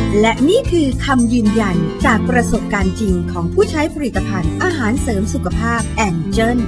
และนี่คือคำยืนยันจากประสบการณ์จริงของผู้ใช้ผลิตภัณฑ์อาหารเสริมสุขภาพแองเจิล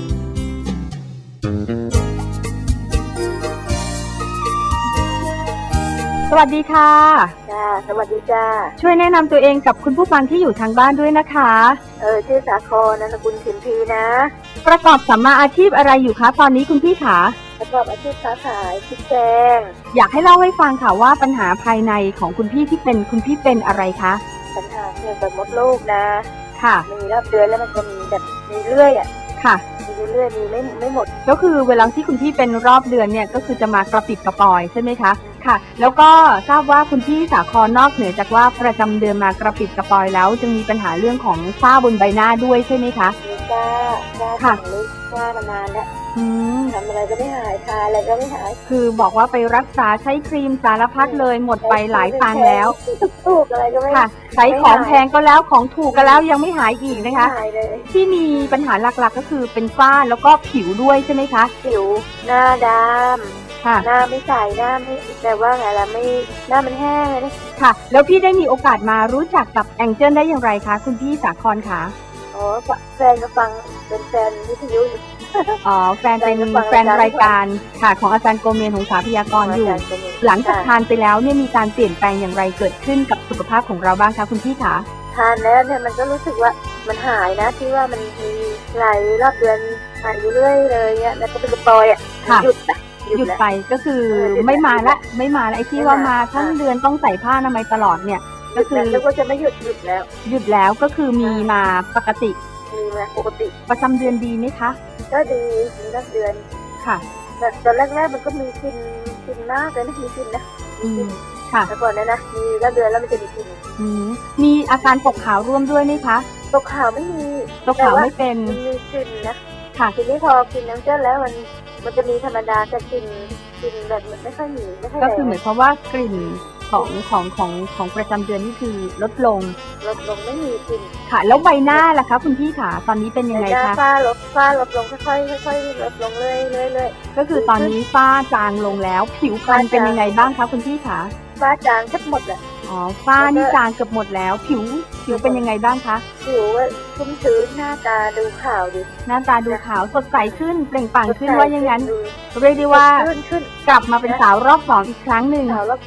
สวัสดีค่ะจ้าสวัสดีจ้าช่วยแนะนำตัวเองกับคุณผู้ฟังที่อยู่ทางบ้านด้วยนะคะชื่อสาครนามสกุลขิมพีนะประกอบสัมมาอาชีพอะไรอยู่คะตอนนี้คุณพี่ขาประกอบอาชีพค้าขายพริกแกงอยากให้เล่าให้ฟังค่ะว่าปัญหาภายในของคุณพี่ที่เป็นคุณพี่เป็นอะไรคะปัญหาเกี่ยวกับมดลูกนะค่ะมีรอบเดือนแล้วมันจะมีแบบมีเรื่อยอ่ะค่ะมีเรื่อยมีไม่หมดก็คือเวลาที่คุณพี่เป็นรอบเดือนเนี่ยก็คือจะมากระปิดกระปอยใช่ไหมคะค่ะแล้วก็ทราบว่าคุณพี่สาครนอกเหนือจากว่าประจำเดือนมากระปิดกระปอยแล้วจึงมีปัญหาเรื่องของฝ้าบนใบหน้าด้วยใช่ไหมคะมีฝ้าค่ะฝ้ามานานแล้วทำอะไรก็ไม่หายทาอะไรก็ไม่หายคือบอกว่าไปรักษาใช้ครีมสารพัดเลยหมดไปหลายตังค์แล้วถูกอะไรก็ไม่ค่ะใช้ของแพงก็แล้วของถูกก็แล้วยังไม่หายอีกนะคะที่มีปัญหาหลักๆก็คือเป็นฝ้าแล้วก็ผิวด้วยใช่ไหมคะผิวหน้าดำหน้าไม่ใสหน้าไม่แต่ว่าไงล่ะไม่หน้ามันแห้งเลยค่ะแล้วพี่ได้มีโอกาสมารู้จักกับแองเจิลได้อย่างไรคะคุณพี่สาครคะอ๋อแฟนก็ฟังเป็นแฟนวิทยุอ๋อแฟนเป็นแฟนรายการค่ะของอาจารย์โกเมนหงสาพยากรณ์อยู่หลังจากทานไปแล้วเนี่ยมีการเปลี่ยนแปลงอย่างไรเกิดขึ้นกับสุขภาพของเราบ้างคะคุณพี่คะทานแล้วเนี่ยมันก็รู้สึกว่ามันหายนะที่ว่ามันมีไหลรอบเดือนหายเรื่อยเลยเนี่ยแล้วก็เป็นกระปอยอ่ะหยุดไปก็คือไม่มาละไอ้ที่ว่ามาทั้งเดือนต้องใส่ผ้าอนามัยตลอดเนี่ยก็คือแล้วก็จะไม่หยุดแล้วก็คือมีมาปกติประจำเดือนดีไหมคะก็ดีมีรอบเดือนค่ะแต่ตอนแรกๆมันก็มีกินมากเลยนะมีกินนะค่ะแต่ก่อนนะมีรอบเดือนแล้วมันจะมีกินมีอาการตกขาวร่วมด้วยไหมคะตกขาวไม่มีตกขาวไม่เป็นมีกลิ่นนะค่ะทีนี้พอกินน้ำเจ้าแล้วมันจะมีธรรมดาแต่กินแบบไม่ค่อยมีก็คือหมายความว่ากลิ่นของประจำเดือนนี่คือลดลงไม่มีกลิ่นค่ะแล้วใบหน้าล่ะคะคุณพี่ขาตอนนี้เป็นยังไงคะฝ้าลดลงค่อยๆลดลงเรื่อยก็คือตอนนี้ฝ้าจางลงแล้วผิวพรรณเป็นยังไงบ้างคะคุณพี่ขาฝ้าจางทั้งหมดเลยอ๋อฝ้านี่จางเกือบหมดแล้วผิวเป็นยังไงบ้างคะผิวชุ่มชื้นหน้าตาดูขาวดิหน้าตาดูขาวสดใสขึ้นเปล่งปลั่งขึ้นว่าอย่างนั้นเรียกได้ว่ากลับมาเป็นสาวรอบ2อีกครั้งหนึ่งสาวรอบ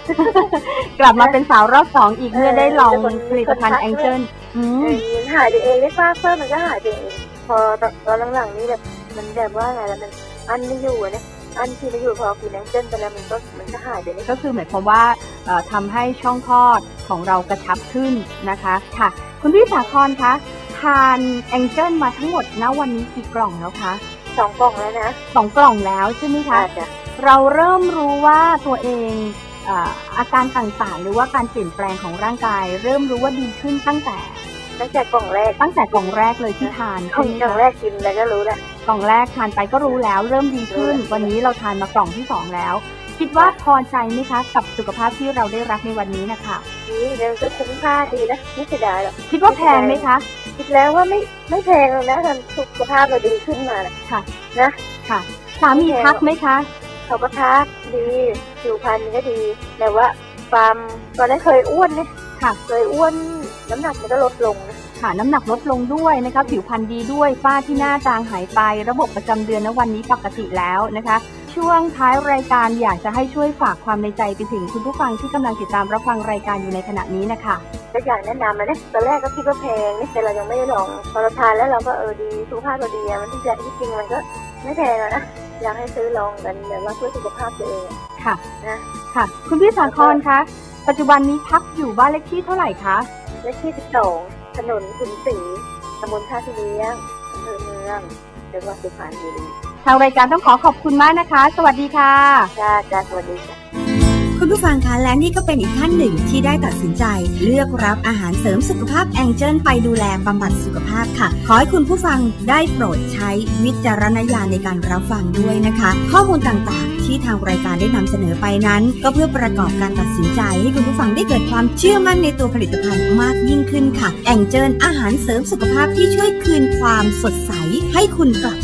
2 กลับมาเป็นสาวรอบ2อีกเมื่อได้ลองผลิตภัณฑ์แองเจิลหายไปเองได้ฝ้าเพิ่มมันก็หายไปเองพอตอนหลังๆนี้แบบมันแบบว่าไงแล้วมันอันไม่อยู่เนี่ยอันที่ไม่อยู่พอกินแองเจิลไปแล้วมันก็หายไปนี่ก็คือหมายความว่าทำให้ช่องคลอดของเรากระชับขึ้นนะคะค่ะคุณพี่สาครคะทานแองเจิลมาทั้งหมดณวันนี้กี่กล่องแล้วคะ 2 กล่องแล้วนะ 2 กล่องแล้วใช่ไหมคะเราเริ่มรู้ว่าตัวเองอาการต่างๆหรือว่าการเปลี่ยนแปลงของร่างกายเริ่มรู้ว่าดีขึ้นตั้งแต่กล่องแรกเลยที่ทานกล่องแรกกินแล้วก็รู้แล้วกล่องแรกทานไปก็รู้แล้วเริ่มดีขึ้นวันนี้เราทานมากล่องที่2แล้วคิดว่าพอใจไหมคะกับสุขภาพที่เราได้รับในวันนี้นะคะนี่เดี๋ยวจะคุ้มค่าดีนะไม่เสียดายหรอกคิดว่าแพงไหมคะคิดแล้วว่าไม่แพงเลยนะทำสุขภาพเราดีขึ้นมาค่ะนะค่ะสามีทักไหมคะเขาก็ทักดีผิวพรรณก็ดีแต่ว่าความตอนนั้นเคยอ้วนเนี่ยค่ะเคยอ้วนน้ำหนักมันก็ลดลงนะค่ะน้ำหนักลดลงด้วยนะคะผิวพรรณดีด้วยฝ้าที่หน้าจางหายไประบบประจำเดือนณวันนี้ปกติแล้วนะคะช่วงท้ายรายการอยากจะให้ช่วยฝากความในใจไปถึงคุณผู้ฟังที่กำลังติดตามรับฟังรายการอยู่ในขณะนี้นะคะก็อยากแนะนำนะตอนแรกก็คิดว่าแพงแต่เรายังไม่ได้ลองพอเราทานแล้วเราก็ดีสุขภาพเราดีมันที่จริงมันก็ไม่แพงนะอยากให้ซื้อลองกันแบบว่าเพื่อสุขภาพตัวเองค่ะนะค่ะคุณพี่สาครคะปัจจุบันนี้พักอยู่บ้านเลขที่เท่าไหร่คะเลขที่12ถนนขุนศรีตำบลท่าที่เลี้ยงอำเภอเมืองจังหวัดสุพรรณบุรีทางรายการต้องขอบคุณมากนะคะสวัสดีค่ะจ้าสวัสดีค่ะคุณผู้ฟังคะและนี่ก็เป็นอีกท่านหนึ่งที่ได้ตัดสินใจเลือกรับอาหารเสริมสุขภาพแองเจิลไปดูแลบำบัดสุขภาพค่ะขอให้คุณผู้ฟังได้โปรดใช้วิจารณญาณในการรับฟังด้วยนะคะข้อมูลต่างๆที่ทางรายการได้นำเสนอไปนั้นก็เพื่อประกอบการตัดสินใจให้คุณผู้ฟังได้เกิดความเชื่อมั่นในตัวผลิตภัณฑ์มากยิ่งขึ้นค่ะแองเจิลอาหารเสริมสุขภาพที่ช่วยคืนความสดใสให้คุณกลับ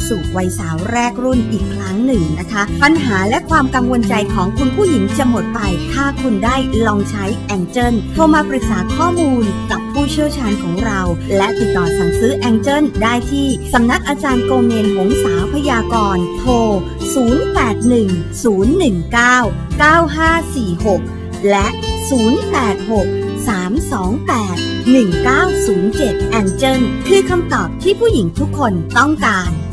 สู่วัยสาวแรกรุ่นอีกครั้งหนึ่งนะคะปัญหาและความกังวลใจของคุณผู้หญิงจะหมดไปถ้าคุณได้ลองใช้แองเจิลโทรมาปรึกษาข้อมูลกับผู้เชี่ยวชาญของเราและติดต่อสั่งซื้อแองเจิลได้ที่สำนักอาจารย์โกเมนหงษาพยากรณ์โทร 0810199546 และ 086-328-1907 แองเจิลคือคำตอบที่ผู้หญิงทุกคนต้องการ